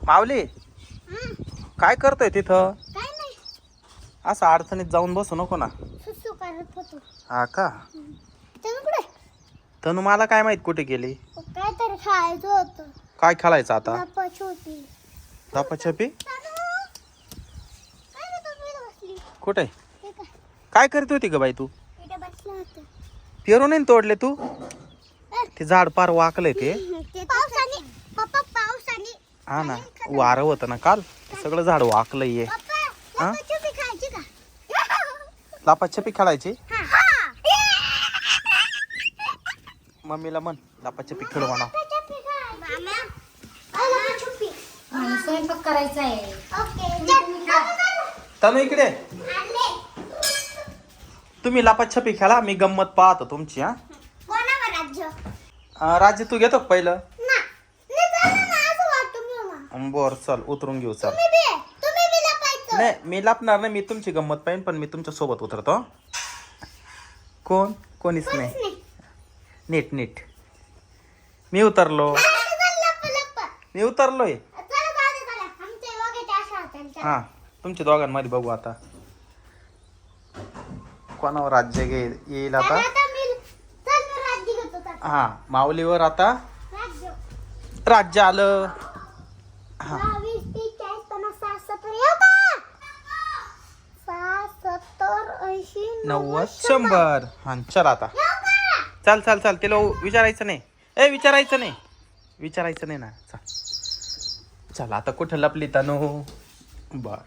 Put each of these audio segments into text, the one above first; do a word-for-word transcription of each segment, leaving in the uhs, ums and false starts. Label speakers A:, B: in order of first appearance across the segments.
A: माऊली काय करतोय तिथं?
B: काय नाही,
A: असं अडचणीत जाऊन बसू नको ना.
B: सुसू करत होतो.
A: हा का?
B: तुम्ही कुठे?
A: तनु मला काय माहित कुठे गेली.
B: काय तरी खायचं होतं.
A: काय खेळायचं आता?
B: लपाछपी होती.
A: लपाछपी
B: काय रे तुम्ही इथं बसली?
A: कुठे?
B: हे काय?
A: काय करत होती ग बाई तू?
B: इथं बसलं होतं.
A: पेरू नाही तोडले तू? ते झाड पार वाकलंय ते.
B: ते पावसाने पप्पा पावसाने
A: हा ना, वारं होतं ना काल, सगळं झाड वाकलंय हे.
B: पप्पा
A: हा?
B: लपाछपी खायची का?
A: लपाछपी खेळायची?
B: हा.
A: मम्मीला म्हण लपाछपी खेळू म्हणा.
B: लपाछपी खाय. मामा, अ, लपाछपी.
C: मला स्वयंपाक करायचा आहे.
B: ओके.
A: तनु इकडे
B: आणले.
A: तुम्ही लपाछपी खेळा, मी गंमत पाहतो तुमची. हा
B: कोणावर राज्य?
A: अं, राज्य तू घेतो का पहिलं?
B: ना. नाही चाललं ना, असं वाटतं मी मला.
A: बर चल उतरून घेऊ चल.
B: तुम्ही बी तुम्ही बी लपायचं.
A: नाही मी लपणार नाही, मी तुमची गंमत पाहिन, पण मी तुमच्या सोबत उतरतो. कोण? कोणीच नाही.
B: नाही.
A: नीट नीट मी उतरलो.
B: लप लप.
A: मी उतरलोय.
B: चला जाऊ दे चला. आमच्या योग्याच्या अशा हातांच्या.
A: हा तुमच्या दोघांमध्ये बघू आता कोणावर राज्य घे येईल आता.
B: चला आता मी चल मी राज्य घेतो चल.
A: हा माऊलीवर आता
B: राज्य.
A: राज्य आलं. हा
B: बावीस, तीस, चाळीस, पन्नास, साठ, सत्तर, येऊ का? साठ, सत्तर, ऐंशी,
A: नव्वद शंभर. हा चल आता
B: येऊ का?
A: चल चल चल तिला विचारायचं नाही. ए विचारायचं नाही विचारायचं नाही ना. चल चल आता कुठं लपली तनु? बर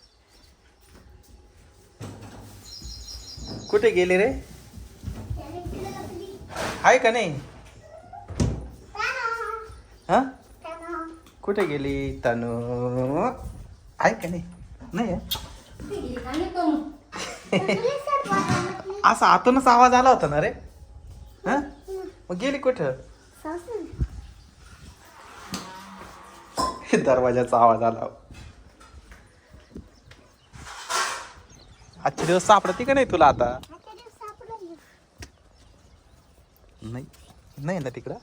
A: कुठे गेली रे?
B: त्याने तिला लपली.
A: आहे का नाही?
B: त्यानं,
A: हा
B: त्यानं.
A: कुठे गेली तनु? आहे का नाही? नाही आहे?
C: कुठे गेली का नाही कोण?
B: तुला सर वाटलं.
A: असा आतूनच आवाज आला होता ना रे. हा मग गेली कुठं?
B: सासू.
A: दरवाजाचा आवाज आला. आजचे दिवस सापडते का नाही तुला आता?
B: आता ते सापडलं.
A: नाही नाही ना तिकडं.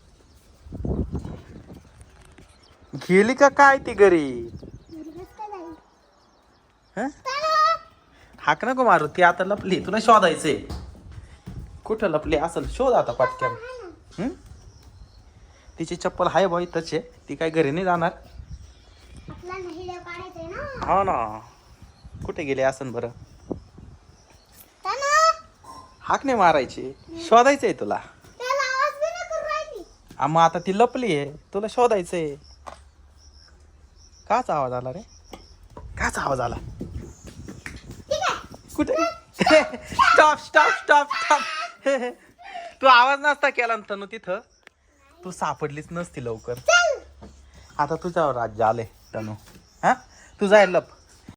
A: गेली का काय ती घरी?
B: मुलगाच का नाही?
A: हं?
B: त्यानं.
A: हाक नको मारू, ती आता लपली. तुला शोधायचंय कुठं लपली असेल. शोध आता पटक्यान. हं? तिची चप्पल हाय बाई तसे, ती काय घरी नाही जाणार.
B: आपला नाही देव काढायचंय ना.
A: हा ना कुठे गेली असन बरं?
B: त्यानं.
A: हाक नाही मारायची, शोधायचंय तुला.
B: त्याला आवाज बी नाही करून राहिली.
A: आ, मग आता ती लपली आहे, तुला शोधायचंय. काच आवाज आला रे? काच आवाज आला?
B: ठीक आहे.
A: कुठे? Stop stop stop stop. तू आवाज नसता केला ना तनु तिथं, तू सापडलीच नसती लवकर.
B: चल.
A: आता तुझ्यावर राज्य आले तनु. हा तू जाय लप.